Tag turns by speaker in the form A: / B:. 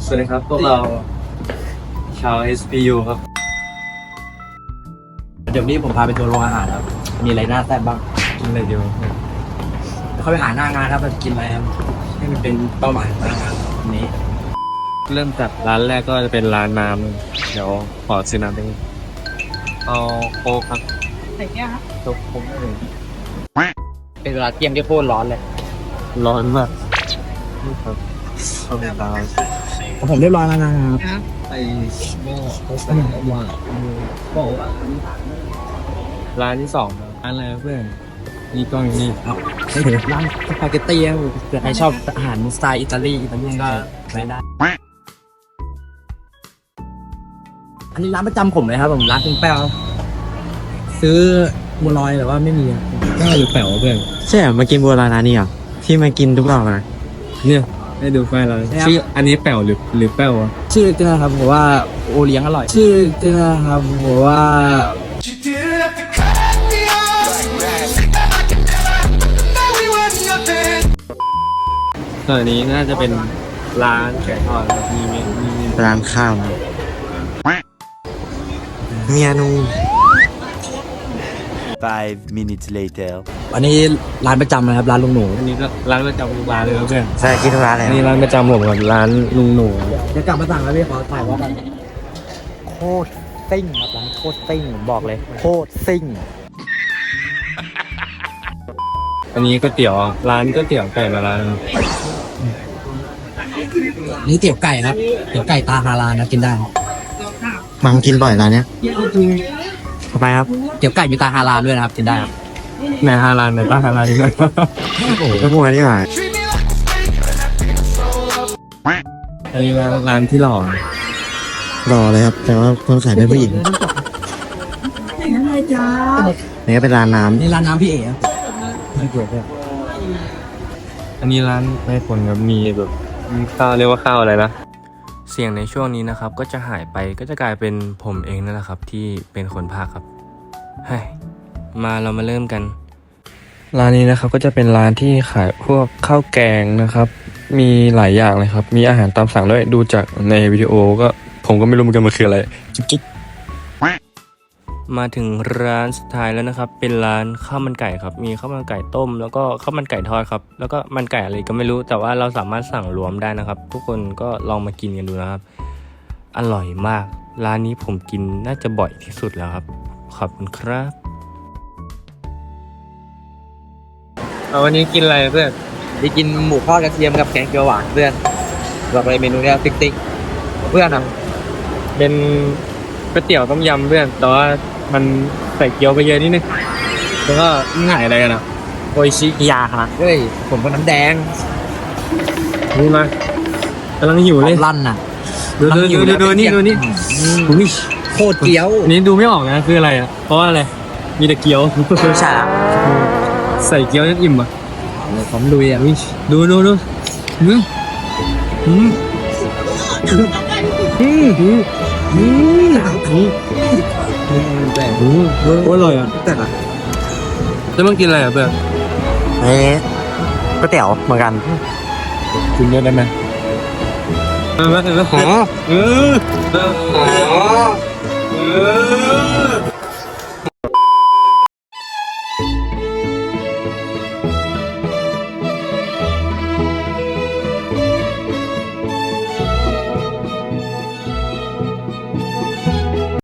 A: วัสดีครับพวกเราชาว SPU ครับ
B: เดี๋ยวนี้ผมพาไปทัวร์โรงอาหารครับมีอะไรน่าแซ่บบ้าง
A: กินอะไรเดียว
B: เข้าไปหาหน้างานครับกินอะไรครับให้มันเป็นเป้าหมายของหน้างานนี้
A: เริ่มจากร้านแรกก็จะเป็นร้านน้ำเดี๋ยวขอซื้อน้ำไปเอาโค้กครับ
C: ใส่แก้วครับ
A: โค้กเลย
B: เป็นเวลาเที่ยงที่โคตรร้อนเลย
A: ร้อนมากนี่ครับเอาไปตาม
B: ผมเรียบร้อยแล้วนะครับ
C: ครับ
B: ไปว่า
A: ร้านที่สองครับร้านอะไรเพื่อนนี่กล้องอยู่นี่
B: ร้านสปาเกตตี้ใครชอบอาหารสไตล์อิตาลีก็ไปได้อันนี้ร้านประจำผมเลยครับผมร้านคุณแป้วซื้อบัวลอยแต่ว่าไม่มี
A: ก้าวหรือแป๋วเพื่อน
D: ใช่เหรอมากินบัวลอยร้านนี้เหรอที่มากินทุกรอบนะ
A: เนี่ยให้ดูไฟเราชื่ออันนี้แป๋วหรือแป๋ววะ
B: ชื่อเจ้าครับผมว่าโอเลี้ยงอร่อยชื่อเจ้าครับผมว่า
A: ส่วนอันนี้น่าจะเป็นร้านไก่ทอดครับมี
D: ร้านข้าวนะเมียนู
E: 5 minutes later
B: อันนี้ร้านประจำนะครับร้านลุงหนู
A: อันนี้ก็ร้านประจำทุกร้านเลยครับเพื่อน
D: ใช่กินทุกร้านเลย
A: อันนี้ร้านประจำผมกับร้านลุงหนู
B: เดี๋ยวกลับมาสั่งแล้วพี่ขอถ่ายว่ากันโคตรซิ่งครับร้านโคตรซิ่งผมบอกเลยโคตรซิ่ง
A: อันนี้ก๋วยเตี๋ยวร้านก๋วยเตี๋ยวไก่มาร้าน
B: นี่เตี๋ยวไก่ครับเตี๋ยวไก่ตาฮาลาลนะกินได้
D: มังกินบ่อยร้านเนี้ยทำไมครับ
B: เตี๋ยวไก่มีตาฮาลาลด้วยนะครับกินได้ครับ
A: ในฮาลานในป้าฮาลานนี่ก็
D: โอ้โหก็พูดกันดีกว่า
A: อันนี้ร้านที่หล่อ
D: รอเลยครับ แต่ว่าคนขายเป็นผู้หญิงนี่ก็เป็นร้านน้
B: นี่ร้านน้ำพี่เอ๋ครับไม่เกี่ยวครับ
A: อันนี้ร้านไม่คนครับมีแบบมีข้าวเรียกว่าข้าวอะไรนะ
F: เสียงในช่วงนี้นะครับก็จะหายไปก็จะกลายเป็นผมเองนั่นแหละครับที่เป็นคนพากย์ครับเฮ้ยมาเรามาเริ่มกันร้านนี้นะครับก็จะเป็นร้านที่ขายพวกข้าวแกงนะครับมีหลายอย่างเลยครับมีอาหารตามสั่งด้วยดูจากในวิดีโอก็ผมก็ไม่รู้เหมือนกันมันคืออะไรจิ๊กมาถึงร้านสุดท้ายแล้วนะครับเป็นร้านข้าวมันไก่ครับมีข้าวมันไก่ต้มแล้วก็ข้าวมันไก่ทอดครับแล้วก็มันไก่อะไรก็ไม่รู้แต่ว่าเราสามารถสั่งรวมได้นะครับทุกคนก็ลองมากินกันดูนะครับอร่อยมากร้านนี้ผมกินน่าจะบ่อยที่สุดแล้วครับขอบคุณครับ
A: วันนี้กินอะไรเพื่อน
B: ไปกินหมูทอดกระเทียมกับแกงเขียวหวานเพื่อนบอกเลยเมนูเนี้ยติ๊กติ๊กเพื่อนอ่ะ
A: เป็นก๋วยเตี๋ยวต้มยำเพื่อนแต่ว่ามันใส่เกี๊ยวไปเยอะนิดนึงแล้วก็ง่ายอะไรกันอ่ะโออิชิ
D: ำยาครับ
B: เฮ้ยผมก็น้ำแดง
A: นี่มากำลังหิวเลย
B: ลั่นน่ะ
A: ดูนี่อุ้ย
B: โคตรเกี๊ยว
A: อันนี้ดูไม่ออกนะคืออะไรอ่ะเพราะว่าอะไรมีแต่เกี๊ยว
D: ใช่
A: ใส่เกี๊ยวจนอิ่มอ่ะ
B: ผมลุยอ่ะ
A: ดูอืมอืมโอ้ยอร่อยอ่ะ
D: แต่ละ
A: แล้วมันกินอะไรอ่ะเพื่อน
D: นี่ก๋วยเตี๋ยวเหมือนกัน
A: กินเยอะได้ไหมหอเออ